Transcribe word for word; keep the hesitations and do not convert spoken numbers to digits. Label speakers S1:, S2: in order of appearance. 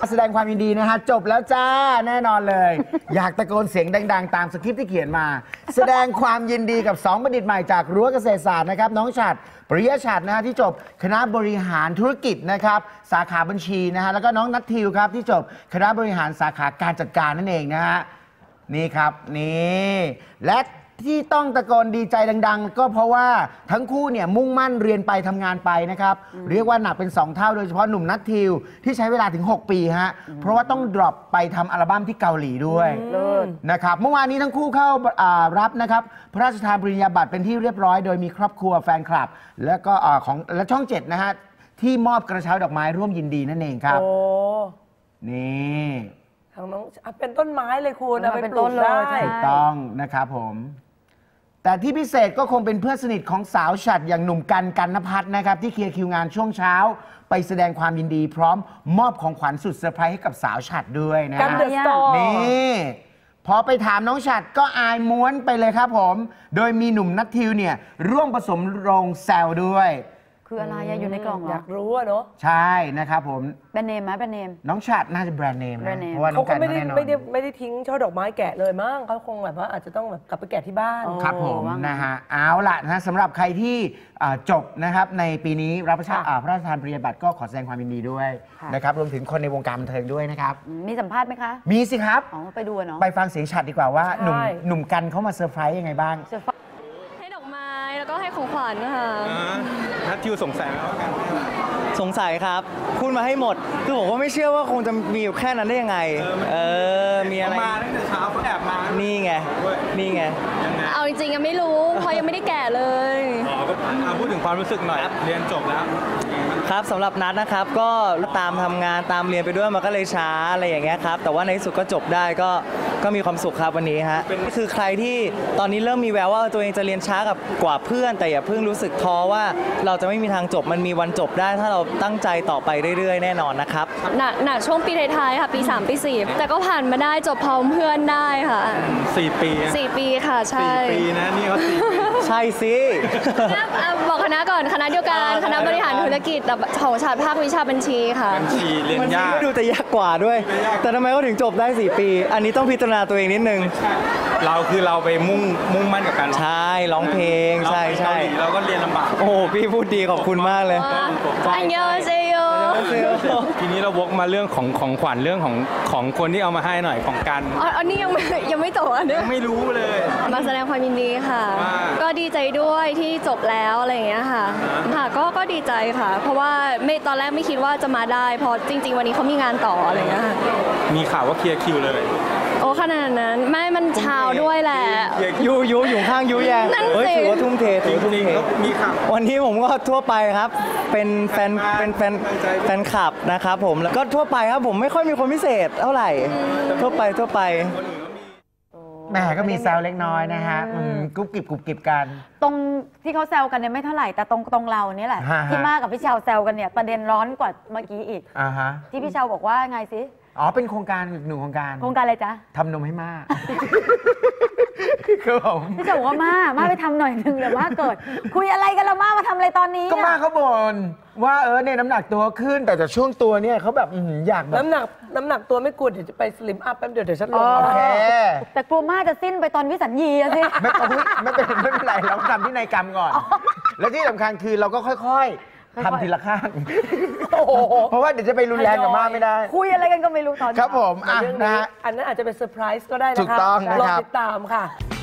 S1: แสดงความยินดีนะฮะจบแล้วจ้าแน่นอนเลย อยากตะโกนเสียงดังๆตามสคริปต์ที่เขียนมา แสดงความยินดีกับสองบัณฑิตใหม่จากรั้วเกษตรศาสตร์นะครับน้องฉัตรปริยฉัตรนะฮะที่จบคณะบริหารธุรกิจนะครับสาขาบัญชีนะฮะแล้วก็น้องนัททิวครับที่จบคณะบริหารสาขาการจัดการนั่นเองนะฮะนี่ครับนี่และที่ต้องตะโกนดีใจดังๆก็เพราะว่าทั้งคู่เนี่ยมุ่งมั่นเรียนไปทำงานไปนะครับเรียกว่าหนักเป็นสองเท่าโดยเฉพาะหนุ่มนัททิวที่ใช้เวลาถึงหกปีฮะเพราะว่าต้องดรอปไปทำอัลบั้มที่เกาหลีด้วยนะครับเมื่อวานนี้ทั้งคู่เข้ารับนะครับพระราชทานปริญญาบัตรเป็นที่เรียบร้อยโดยมีครอบครัวแฟนคลับแล้วก็ของและช่องเจ็ดนะฮะที่มอบกระเช้าดอกไม้ร่วมยินดีนั่นเองครับโอ้นี่
S2: ทางน้องเป็นต้นไม้เลยคุณเอาไปปลูกได้
S1: ถูกต้องนะครับผมแต่ที่พิเศษก็คงเป็นเพื่อนสนิทของสาวฉัตรอย่างหนุ่มกันกันนภัทรนะครับที่เคลียร์คิวงานช่วงเช้าไปแสดงความยินดีพร้อมมอบของขวัญสุดเซอร์ไพรส์ให้กับสาวฉัตรด้วยนะ
S2: กันเดอะสตอร์
S1: นี่พอไปถามน้องฉัตรก็อายม้วนไปเลยครับผมโดยมีหนุ่มนัททิวเนี่ยร่วมผสมโรงแซวด้วย
S3: คืออะไรอยู่ในกล่องเหรอ
S2: อยากรู้อะเนาะ
S1: ใช่นะครับผม
S3: แบรนด์เนมไหมแบรนด์เนม
S1: น้องฉัตรน่าจะแบรนด์เนมนะเพราะว่าน้อง
S2: กันไม่ได้ไม่ได้ไม่ได้ทิ้งช่อดอกไม้แกะเลยมั้งเขาคงแบบว่าอาจจะต้องแบบกลับไปแกะที่บ้าน
S1: ครับผมนะฮะเอาล่ะนะสำหรับใครที่จบนะครับในปีนี้รับพระราชทานปริญญาบัตรก็ขอแสดงความยินดีด้วยนะครับรวมถึงคนในวงการบันเทิงด้วยนะครับ
S3: มีสัมภาษณ์ไหมคะ
S1: มีสิครับ
S3: อ๋อไปดูเนาะ
S1: ไปฟังเสียงฉัตรดีกว่าว่าหนุ่มหนุ่มกันเขามาเซอร์ไพรส์ยังไงบ้าง
S4: ให้ดอกไม้แล้วก็ให้ของขวัญนะคะ
S5: นัททิวสงสัยไหมว่ากัน
S6: สงสัยครับพูดมาให้หมดคือผมก็ไม่เชื่อว่าคงจะมีอยู่แค่นั้นได้ยังไงเออมีอะไร
S5: มาตั้งแต่เช้าเขาแอบมา
S6: นี่ไงนี่ไง
S4: เอาจริงๆยังไม่รู้เพราะยังไม่ได้แก่เลย
S5: อ๋อก็พูดถึงความรู้สึกหน่อยเรียนจบแล้ว
S6: ครับสำหรับนัทนะครับก็ตามทำงานตามเรียนไปด้วยมันก็เลยช้าอะไรอย่างเงี้ยครับแต่ว่าในที่สุดก็จบได้ก็ก็มีความสุขครับวันนี้ฮะคือใครที่ตอนนี้เริ่มมีแววว่าตัวเองจะเรียนช้ากับกว่าเพื่อนแต่อย่าเพิ่งรู้สึกท้อว่าเราจะไม่มีทางจบมันมีวันจบได้ถ้าเราตั้งใจต่อไปเรื่อยๆแน่นอนนะครับ
S4: หนักหนักช่วงปีท้ายๆค่ะปีสามปีสี่แต่ก็ผ่านมาได้จบพร้อมเพื่อนได้ค่ะ
S5: สี่ปี
S4: สี่ปีค่ะใช่
S5: สี่ปีนะนี่เขาสี่
S6: ใช่สิ
S4: บอกคณะก่อนคณะเดียวกันคณะบริหารธุรกิจแต่ของฉัตรภาควิชาบัญชีค่ะ
S5: บัญชีเรียนยาก
S6: ดูแต่ยากกว่าด้วยแต่ทำไมเขาถึงจบได้สี่ปีอันนี้ต้องพิจารณาตัวเองนิดนึง
S5: เราคือเราไปมุ่งมุ่งมั่นกับการ
S6: ใช่ร้องเพลงใช่ใช่
S5: เราก็เรียนลำบาก
S6: โอ้พี่พูดดีขอบคุณมากเลย
S4: อันยอเซโย
S5: ทีนี้เราวกมาเรื่องของของขวัญเรื่องของของคนที่เอามาให้หน่อยของกัน
S4: อันนี้ยังไม่ยังไม่จบอันนี้
S5: ไม่รู้เลย
S4: มาแสดงความยินดีค่ะก็ดีใจด้วยที่จบแล้วอะไรอย่างเงี้ยค่ะค่ะก็ก็ดีใจค่ะเพราะว่าไม่ตอนแรกไม่คิดว่าจะมาได้พอจริงๆวันนี้เขามีงานต่ออะไรอย่างเงี้ย
S5: มีข่าวว่าเคลียร์คิวเลย
S4: โอ้ขนาดนั้นไม่มันเช้าด้วยแหละ
S6: ยูยูอยู่ข้างยูแยงเฮ้ยถือว่าทุ่มเทถือทุ่มเท
S5: มีข่าว
S6: วันนี้ผมก็ทั่วไปครับเป็นแฟนเป็นแฟนแฟนคลับนะครับผมแล้วก็ทั่วไปครับผมไม่ค่อยมีคนพิเศษเท่าไหร่ทั่วไปทั่วไป
S1: แม่ก็มีแซวเล็กน้อยนะฮะกุ๊บกิ๊บกุ๊บกิ๊บกัน
S3: ตรงที่เขาแซวกันเนี่ยไม่เท่าไหร่แต่ตรงตรงเราเนี่ยแหละที่มากกับพี่เชาแซวกันเนี่ยประเด็นร้อนกว่าเมื่อกี้อีกที่พี่เชาบอกว่าไงสิ
S1: อ๋อเป็นโครงการหนึ่งโครงการ
S3: โครงการอะไรจ๊ะ
S1: ทำนมให้มากคือผม
S3: พี่เชาบอกว่ามามาไปทำหน่อยนึงเดี๋ยวมาเกิดคุยอะไรกันแล้วมามาทำอะไรตอนนี้
S1: ก็มาเขาบ่นว่าเออเนี่ยน้ำหนักตัวขึ้นแต่จากช่วงตัวเนี่ยเขาแบบอยากแบบ
S2: น้ำหนักน้ำหนักตัวไม่กลัวเดี๋ยวจะไปสลิมอัพแป๊บเดียวเดี๋ยวฉันลง
S1: โอเค
S3: แต่กลัวมาจะสิ้นไปตอนวิสัญญีสิ
S1: ไม่ไม่เป็นไม่เป็นไรเราทำที่ในกรรมก่อนแล้วที่สำคัญคือเราก็ค่อยๆทำทีละข้างเพราะว่าเดี๋ยวจะไปรุนแรงกับม่าไม่ได้
S3: คุยอะไรกันก็ไม่รู้ตอนนี้
S1: ครับผมอ่ะนะฮะ
S2: อันนั้นอาจจะเป็นเซอร์ไพรส์ก็ได้นะคะ
S1: ถูกต้องนะครับ
S2: รอติดตามค่ะ